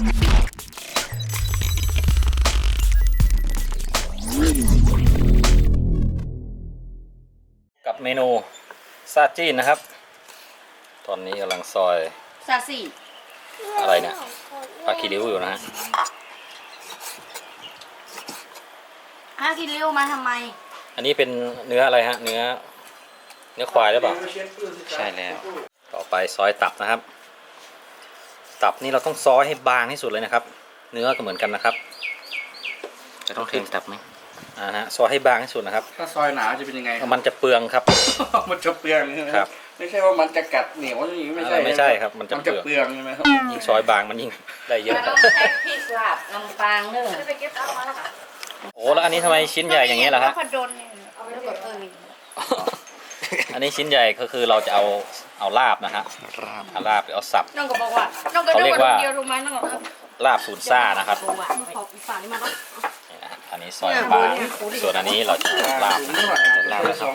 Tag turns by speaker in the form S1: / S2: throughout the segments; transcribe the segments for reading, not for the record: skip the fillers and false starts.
S1: กับเมนูซาจีนนะครับตอนนี้กำลังซอย
S2: ซาซี
S1: อะไรเนี่ยปลาคีริ้วอยู่นะฮะ
S2: กินเร็วมาทำไม
S1: อันนี้เป็นเนื้ออะไรฮะเนื้อควายหรือเปล่า
S3: ใช่แล้ว
S1: ต่อไปซอยตับนะครับตับนี่เราต้องซอยให้บางที่สุดเลยนะครับเนื้อก็เหมือนกันนะครับ
S3: จะต้องเค็มตับไหม
S1: ฮะซอยให้บางที่สุดนะครับ
S3: ถ้าซอยหนาจะเป็นยังไง
S1: มันจะเปลืองครับ
S3: มันจะเปลือง
S1: ครับ
S3: ไม่ใช่ว่ามันจะกัดเหนียวอย่างนี้
S1: ไม่ใช่ครับมันจะเปลือง
S3: ใช่ไหมครับ
S1: ยิ่งซอยบางมันยิ่งได้เยอะ
S2: ต้องใช้พริกลาบลำปางเนอะไปเก็บเอามาแล้วค่ะ
S1: โอ้แล้วอันนี้ทำไมชิ้นใหญ่อย่างเงี้ยล่ะฮะ
S2: เอาไปกด
S1: อันนี้ชิ้นใหญ่ก็คือเราจะเอาลาบนะฮะลาบเอาสับ
S2: น้องก็บอกว่าน้องก็ดูว่าเดียวรู้ไหมน้องก็
S1: ลาบสูตรซ่านะครับอันนี้ซอยบางส่วนอันนี้เราจะลาบลาบแล้วครับ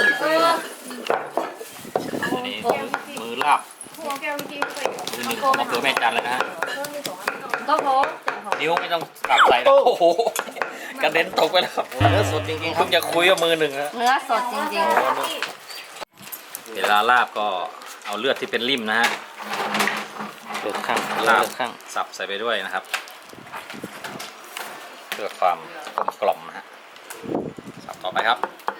S1: อันนี้มือลาบมือหนึ่งมะเขือแม่จันเลยนะฮะ
S2: ก็พอ
S1: นิ้วไม่ต้องกลับใส่นะโอ้โหกระเด็นตกไปแล้วครับเนื้อสดจริงๆครับอย่าคุยกับมือหนึ่งนะ
S2: เนื้อสดจริง
S1: ๆเวลาลาบก็เอาเลือดที่เป็นริ่มนะฮะ
S3: เลือดข้าง
S1: ลาบข้างสับใส่ไปด้วยนะครับเพื่อความกลมนะฮะสับต่อไปครับ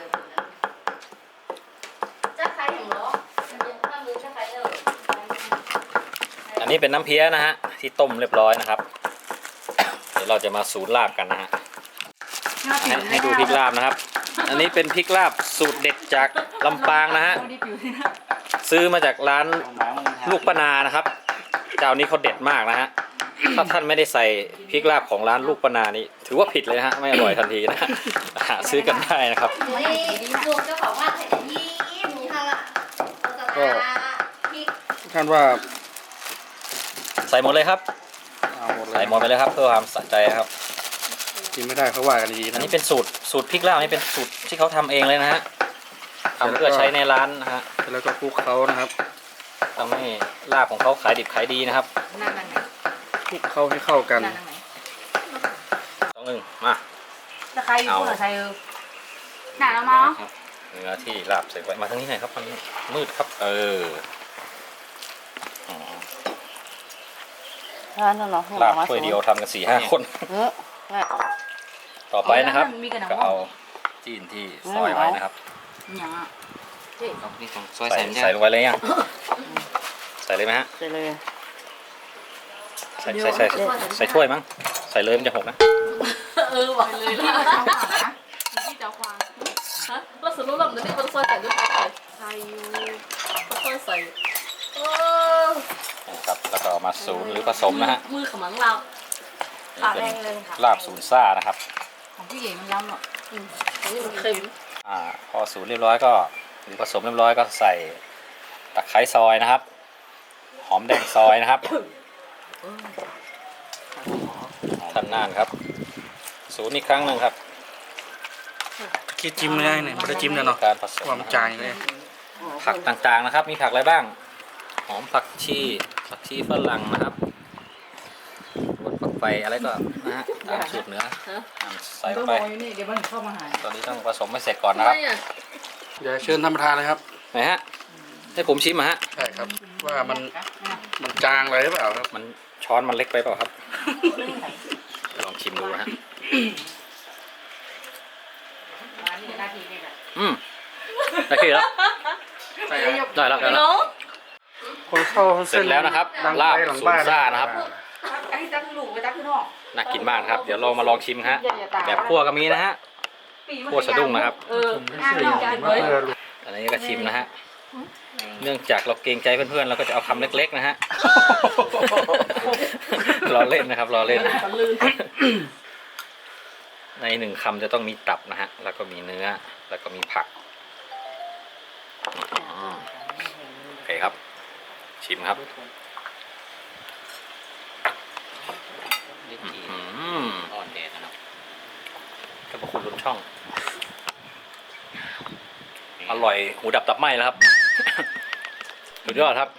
S1: อันนี้เป็นน้ำเพี้ยนะฮะที่ต้มเรียบร้อยนะครับเดี๋ยวเราจะมาสูตรลาบกันนะฮะให้ดูพริกลาบนะครับอันนี้เป็นพริกลาบสูตรเด็ดจากลำปางนะฮะซื้อมาจากร้านลูกป้านานะครับเจ้านี้เขาเด็ดมากนะฮะถ้าท่านไม่ได้ใส่พริกลาบของร้านลูกป้านานี่ถือว่าผิดเลยนะฮะไม่อร่อยทันทีนะหาซื้อกันได้นะครับ
S3: ก็ท่านว่า
S1: ใส่หมดเลยครับใส่หมดไปเลยครับเพื่อความสะใจครับ
S3: กินไม่ได้เขาว่ากันดีนะ
S1: อันนี้เป็นสูตรพริกลาบนี่เป็นสูตรที่เขาทำเองเลยนะฮะทำเพื่อใช้ในร้านนะฮะ
S3: แล้วก็คลุกเขานะครับ
S1: ทำให้ลาบของเขาขายดิบขายดีนะครับ
S3: คลุกเขาให้เข้ากัน
S1: ต้องหนึ่งมา
S2: จะใครอยู่ใครหนาแล้วมั้ง
S1: เนื้อที่ลาบใส่ไว้มาทางนี้หน่อยครับมันมืดครับลาบถ้วยเดียวทำกัน4-5 คนต่อไปนะครับก็เอาจีนที่ซอยไว้นะครับใส่ลงไปเลยยังใส่เลยไหมฮะ
S2: ใส่เลย
S1: ใส่ถ้วยมั้งใส่เลยมันจะหกนะ
S2: ไหวเลยที่จะควางเราสรุปแล้วมันจะเป็นซอยใส่ด้วยใส่ซอยใส่
S1: ครับแล้วก็มาสูนหรือผสมนะฮะ
S2: มือขมังเรา
S1: เป็นลาบสูนซ่านะครับ
S2: ของพี่เอ๋มันล้ำอ่ะนี่มันเค็ม
S1: พอสูนเรียบร้อยก็หรือผสมเรียบร้อยก็ใส่ตะไคร้ซอยนะครับหอมแดงซอยนะครับท่านน่านครับสูนอีกครั้งหนึ่งครับ
S3: คิดจิ้มได้เนี่ยไม่ได้จิ้มเลยเนาะ
S1: การผสม
S3: ความจางเลย
S1: ผักต่างๆนะครับมีผักอะไรบ้างหอมผักชีฝรั่งนะครับผักไฟอะไรก็นะฮะตามสูตรเนื้อใส่ไป
S2: เดี๋ยวมันเข้ามาหา
S1: ตอนนี้ต้องผสมให้เสร็จก่อนนะครับ
S3: เดี๋ยวเชิญท่านประธานเลยครับ
S1: ไหนฮะให้ผมชิมฮะ
S3: ใช่ครับว่ามันจางอะไรหรือเปล่าครับ
S1: มันช้อนมันเล็กไปเปล่าครับลองชิมดูฮะได้ที่แล้วได้แล้ว
S3: คนเข้า
S1: เสร็จแล้วนะครับลาบสูตรซ่านะครับน่ากินมากครับเดี๋ยวเรามาลองชิมฮะแบบคั่วก็มีนะฮะคั่วสะดุ้งนะครับอันนี้ก็ชิมนะฮะเนื่องจากเราเกรงใจเพื่อนๆเราก็จะเอาคำเล็กๆนะฮะรอเล่นนะครับรอเล่นใน1 คำจะต้องมีตับนะฮะแล้วก็มีเนื้อแล้วก็มีผักโอเคครับชิมครับอ่อนแดดนะครับขอบคุณลุนช่องอร่อยหูดับตับไหม้แล้วครับสุดยอดครับ